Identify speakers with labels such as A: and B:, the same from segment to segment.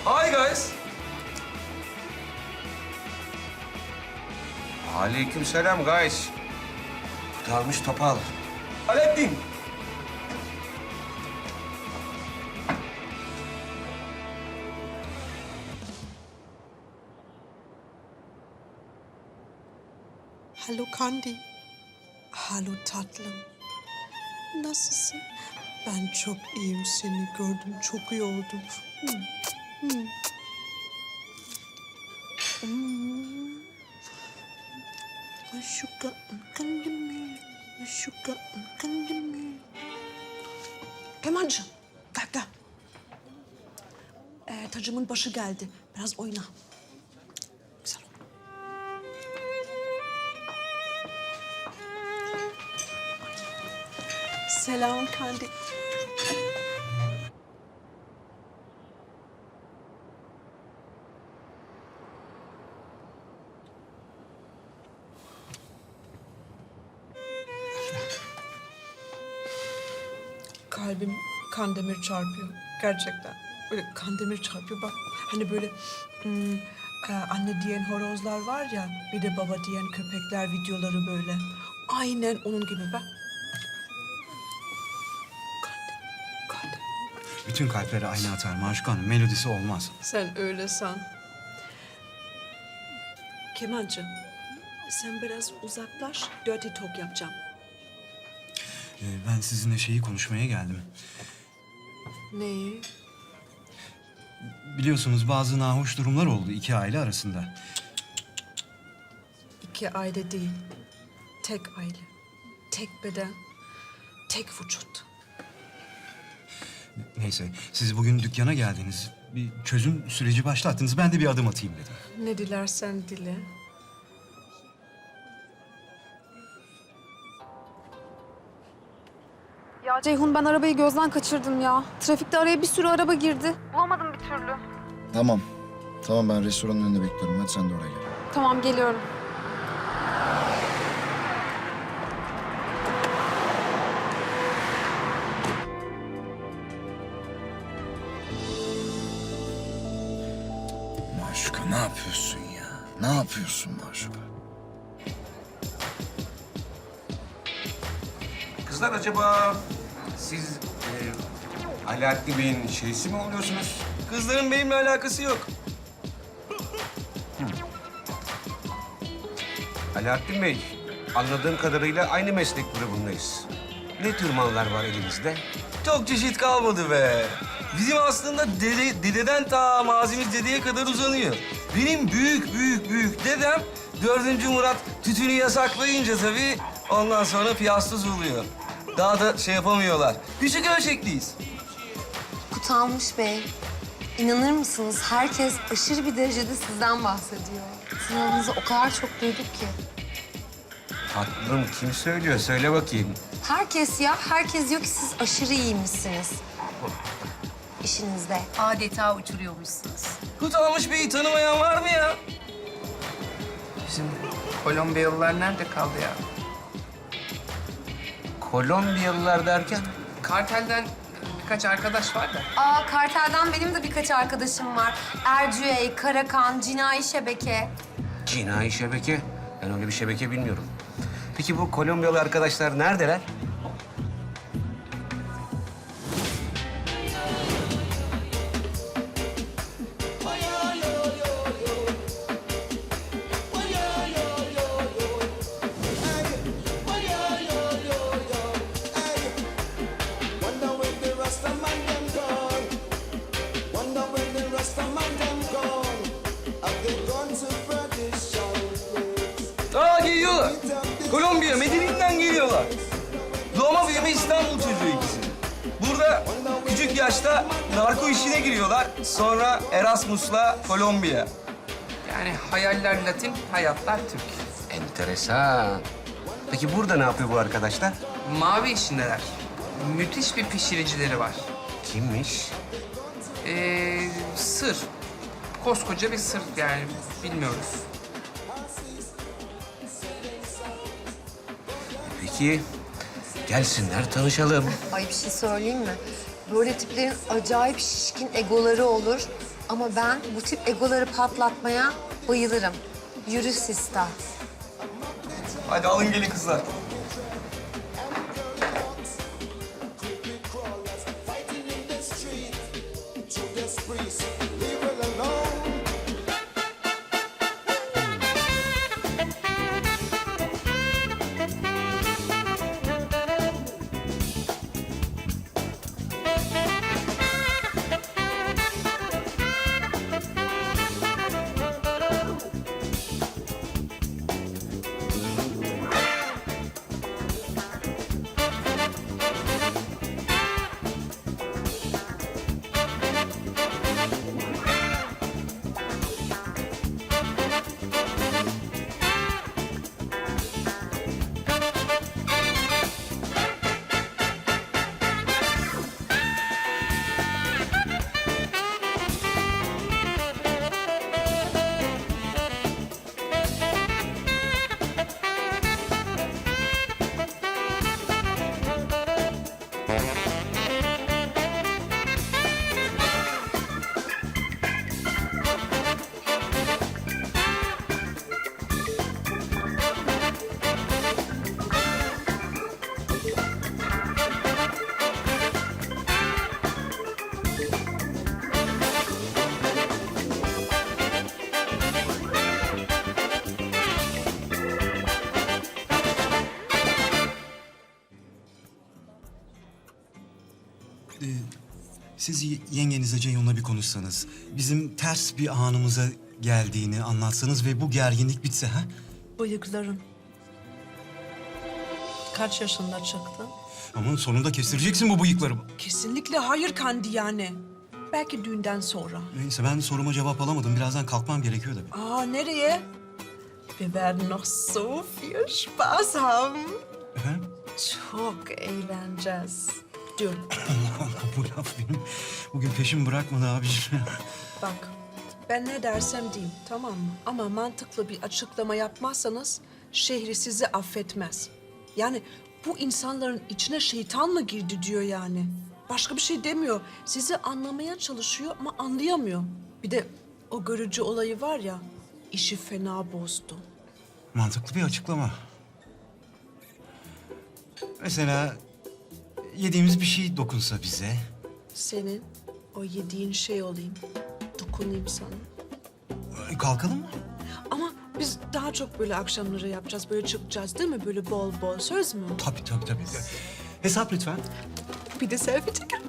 A: Hi guys.
B: Aleykümselam guys. Kurtarmış topal.
A: Alaaddin.
C: Hallo Kandi. Hallo tatlım. Nasılsın? Ben çok iyiyim, seni gördüm. Çok iyi oldum. Aşuka kandimi. Aşuka kandimi. Kemancığım, gel gel. Tacımın başı geldi. Biraz oyna. Güzel oldu. Selam Kandi. Kalbim kandemir çarpıyor. Gerçekten. Böyle kandemir çarpıyor. Bak hani böyle anne diyen horozlar var ya, bir de baba diyen köpekler videoları böyle. Aynen onun gibi bak. Kandemir.
D: Bütün kalpleri aynı atar Maşuka Hanım. Melodisi olmaz.
C: Sen öyle san. Kemancığım, sen biraz uzaklaş. Dirty talk yapacağım.
D: Ben sizinle şeyi konuşmaya geldim.
C: Neyi?
D: Biliyorsunuz bazı nahoş durumlar oldu iki aile arasında.
C: İki aile değil. Tek aile. Tek beden. Tek vücut.
D: Neyse, siz bugün dükkana geldiniz. Bir çözüm süreci başlattınız. Ben de bir adım atayım dedim.
C: Ne dilersen dile.
E: Ya Ceyhun, ben arabayı gözden kaçırdım ya. Trafikte araya bir sürü araba girdi. Bulamadım bir türlü.
F: Tamam. Tamam, ben restoranın önünde bekliyorum. Hadi sen de oraya gel.
E: Tamam, geliyorum.
F: Maşuka ne yapıyorsun ya? Ne yapıyorsun Maşuka?
B: Kızlar acaba siz Alaaddin Bey'in şeysi mi oluyorsunuz?
A: Kızların benimle alakası yok.
B: Alaaddin Bey, anladığım kadarıyla aynı meslek grubundayız. Ne tür mallar var elinizde?
A: Çok çeşit kalmadı be. Bizim aslında dededen ta mazimiz dedeye kadar uzanıyor. Benim büyük dedem 4. Murat tütünü yasaklayınca tabii ondan sonra piyastuz oluyor. Daha da şey yapamıyorlar. Küçük ölçekliyiz.
G: Kutalmış Bey, inanır mısınız herkes aşırı bir derecede sizden bahsediyor. Sizin adınızı o kadar çok duyduk ki.
B: Tatlım kim söylüyor? Söyle bakayım.
G: Herkes ya, herkes diyor ki siz aşırı iyiymişsiniz işinizde.
H: Adeta uçuruyormuşsunuz.
A: Kutalmış Bey'i tanımayan var mı ya?
H: Bizim Kolombiyalılar nerede kaldı ya?
B: Kolombiyalılar derken?
H: Kartelden birkaç arkadaş var da.
G: Aa, kartelden benim de birkaç arkadaşım var. Ercüey, Karakan, Cinayi Şebeke.
B: Cinayi şebeke. Ben öyle bir şebeke bilmiyorum. Peki bu Kolombiyalı arkadaşlar neredeler?
A: Aa, geliyorlar. Kolombiya, Medellin'den geliyorlar. Doğma büyüme İstanbul çocuğu ikisi. Burada küçük yaşta narko işine giriyorlar. Sonra Erasmus'la Kolombiya.
H: Yani hayaller Latin, hayatlar Türk.
B: Enteresan. Peki burada ne yapıyor bu arkadaşlar?
H: Mavi işindeler. Müthiş bir pişiricileri var.
B: Kimmiş?
H: Sır. Koskoca bir sır yani bilmiyoruz.
B: Peki gelsinler tanışalım.
G: Ay bir şey söyleyeyim mi? Böyle tiplerin acayip şişkin egoları olur. Ama ben bu tip egoları patlatmaya bayılırım. Yürü Sista.
A: Hadi alın gelin kızlar.
D: Siz yengenizle Ceyhun'la bir konuşsanız, bizim ters bir anımıza geldiğini anlatsanız ve bu gerginlik bitse ha?
C: Bıyıkların. Kaç yaşında çıktın?
D: Ama sonunda kestireceksin bu bıyıklarımı.
C: Kesinlikle hayır Kandi yani. Belki düğünden sonra.
D: Neyse ben soruma cevap alamadım. Birazdan kalkmam gerekiyor da.
C: Aa nereye? Wir werden noch so viel Spaß haben.
D: Efendim?
C: Çok eğleneceğiz. Dur.
D: Allah Allah bu laf benim bugün peşimi bırakmadı abiciğim.
C: Bak, ben ne dersem diyeyim, tamam mı? Ama mantıklı bir açıklama yapmazsanız şehri sizi affetmez. Yani bu insanların içine şeytan mı girdi diyor yani. Başka bir şey demiyor. Sizi anlamaya çalışıyor ama anlayamıyor. Bir de o görücü olayı var ya, işi fena bozdu.
D: Mantıklı bir açıklama. Mesela yediğimiz bir şey dokunsa bize.
C: Senin o yediğin şey olayım, dokunayım sana.
D: Kalkalım mı?
C: Ama biz daha çok böyle akşamları yapacağız, böyle çıkacağız değil mi? Böyle bol bol, söz mü?
D: Tabii. Hesap lütfen.
C: Bir de selfie çekelim.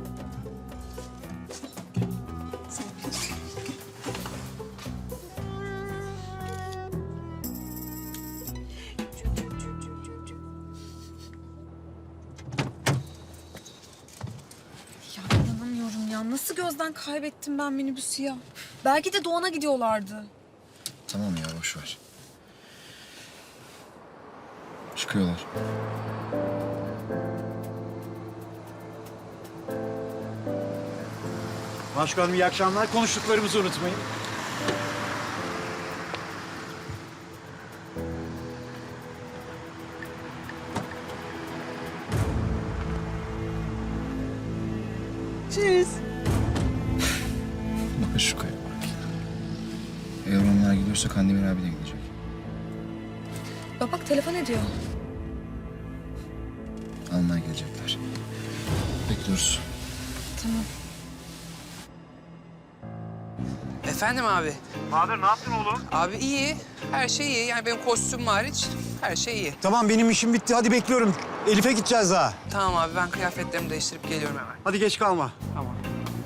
E: Ya inanamıyorum ya. Nasıl gözden kaybettim ben minibüsü ya? Belki de Doğan'a gidiyorlardı.
F: Tamam ya boş ver. Çıkıyorlar.
I: Başkanım iyi akşamlar. Konuştuklarımızı unutmayın.
C: Cheers.
F: Bak şu kaya bak ya. Eğer onlar gidiyorsa Kandemir abi de gidecek.
E: Bak telefon ediyor.
F: Almaya gelecekler. Bekliyoruz.
E: Tamam.
H: Efendim abi.
I: Bahadır ne yaptın oğlum?
H: Abi iyi. Her şey iyi. Yani benim kostüm hariç her şey iyi.
I: Tamam benim işim bitti. Hadi bekliyorum. Elif'e gideceğiz daha.
H: Tamam abi ben kıyafetlerimi değiştirip geliyorum hemen.
I: Hadi geç kalma. Tamam.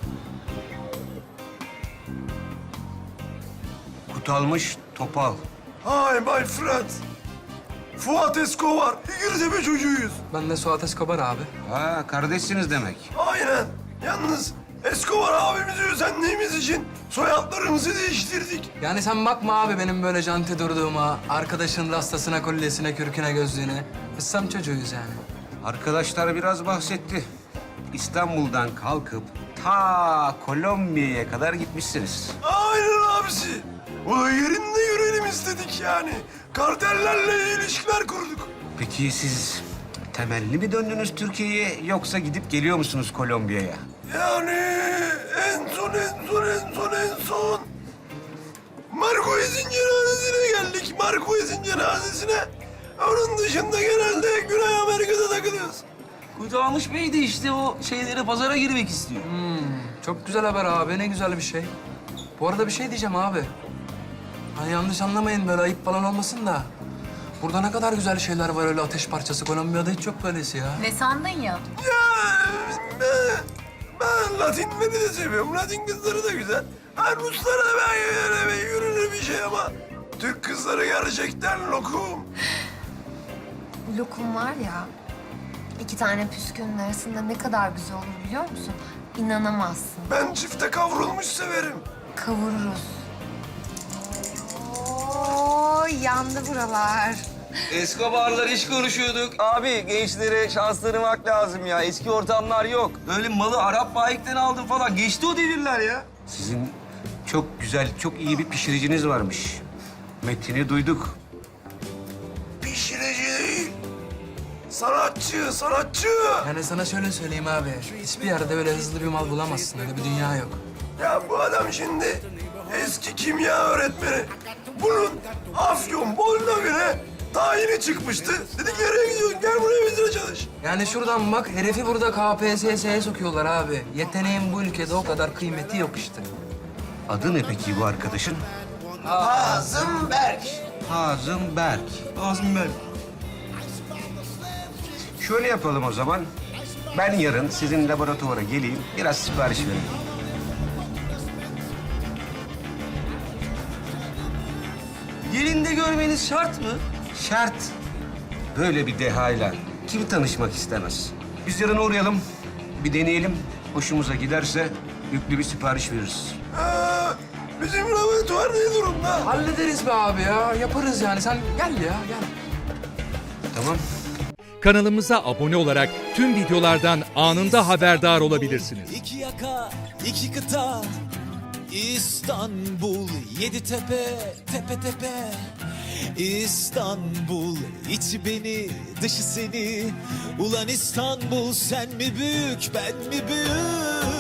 B: Kutalmış topal.
J: Hi my friend. Fuat Escobar. İngilizce çocuğuyuz.
A: Ben de Suat Escobar abi.
B: Ha kardeşsiniz demek.
J: Aynen. Yalnız Escobar abimizi özendiğimiz için soyadlarımızı değiştirdik.
A: Yani sen bakma abi benim böyle janti durduğuma, arkadaşın rastasına, kolyesine, kürküne, gözlüğüne. Biz sam çocuğuyuz yani.
B: Arkadaşlar biraz bahsetti. İstanbul'dan kalkıp ta Kolombiya'ya kadar gitmişsiniz.
J: Aynen abisi. O da yerinde görelim istedik yani. Kartellerle ilişkiler kurduk.
B: Peki siz temelli mi döndünüz Türkiye'ye yoksa gidip geliyor musunuz Kolombiya'ya?
J: Yani en son en son Marquez'in cenazesine geldik. Marquez'in cenazesine. Onun dışında genelde Güney Amerika'da takılıyoruz.
A: Kurtulmuş Bey de işte o şeylere pazara girmek istiyor.
H: Çok güzel haber abi, ne güzel bir şey. Bu arada bir şey diyeceğim abi. Hani yanlış anlamayın, böyle ayıp falan olmasın da. Burada ne kadar güzel şeyler var öyle ateş parçası. Kolombiya'da hiç yok böylesi ya.
E: Ne sandın ya?
J: Ya ben Latinleri de seviyorum. Latin kızları da güzel. Ha, Ruslara da ben yürünür bir şey ama Türk kızları gerçekten lokum.
G: Bu lokum var ya, 2 tane püskünün arasında ne kadar güzel olur biliyor musun? İnanamazsın.
J: Ben çifte kavrulmuş severim.
G: Kavururuz. Oo, yandı buralar.
A: Escobar'lar iş konuşuyorduk. Abi gençlere şans tanımak lazım ya. Eski ortamlar yok. Öyle malı Arap bayilikten aldım falan. Geçti o devirler ya.
B: Sizin çok güzel, çok iyi bir pişiriciniz varmış. Metin'i duyduk.
J: Pişirici değil. Sanatçı, sanatçı.
H: Yani sana şöyle söyleyeyim abi. Hiçbir yerde öyle hızlı bir mal bulamazsın. Öyle bir dünya yok.
J: Ya bu adam şimdi eski kimya öğretmeni. Bunun Afyon Bolna göre tayini çıkmıştı. Dedik nereye gidiyorsun? Gel buraya bizimle çalış.
H: Yani şuradan bak, herifi burada KPSS'ye sokuyorlar abi. Yeteneğin bu ülkede o kadar kıymeti yok işte.
B: Adı ne peki bu arkadaşın?
J: Hazım Berk.
B: Hazım Berk.
A: Ağzım ben.
B: Şöyle yapalım o zaman. Ben yarın sizin laboratuvara geleyim, biraz sipariş vereyim.
A: Yerinde görmeniz şart mı?
B: Şart. Böyle bir dehayla kim tanışmak istemez? Biz yarın uğrayalım, bir deneyelim. Hoşumuza giderse yüklü bir sipariş veririz.
J: Bizim laboratuvar ne durumda?
H: Hallederiz be abi ya. Yaparız yani. Sen gel ya, gel.
B: Tamam.
K: Kanalımıza abone olarak tüm videolardan anında haberdar olabilirsiniz.
L: İki yaka, iki kıta, İstanbul, 7 tepe, tepe tepe. İstanbul, içi beni, dışı seni. Ulan İstanbul, sen mi büyük, ben mi büyük?